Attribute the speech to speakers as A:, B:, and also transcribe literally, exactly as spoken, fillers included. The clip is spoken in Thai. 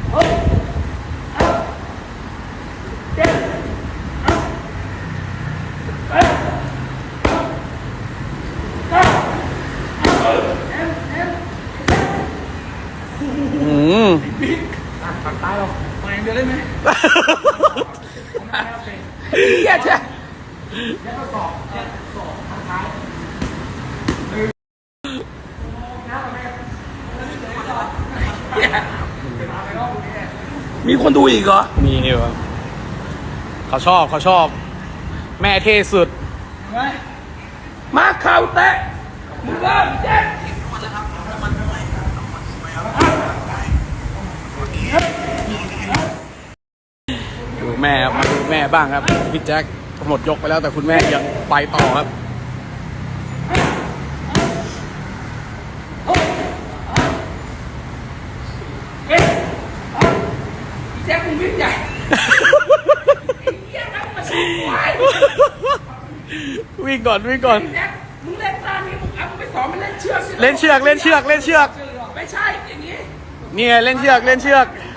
A: อืม
B: ตัดตายหรอมาอย่างเดียวได้ไหม
A: เหี้ยใช่
B: แล้วก็สอบสอบทางท้าย
A: มีคนดูอีกเหรอมีเหรอเขาชอบเขาชอบแม่เท่สุดมาเข่าแตะมึงเริ่มเจ็บดูแม่ครับมาดูแม่บ้างครับพี่แจ็คหมดยกไปแล้วแต่คุณแม่ยังไปต่อครับ
B: พี่แจ๊คมึงวิ่งใหญ่
A: วิ่งก่อนวิ่งก่อน
B: แจ๊คมึงเล่นตามนี้มึงเอามึงไปสอนมันเล่นเชือก
A: เล่นเชือกเล่นเชือกเล่นเชือก
B: ไม่ใช่อย่างนี้
A: เนี่ยเล่นเชือกเล่นเชือก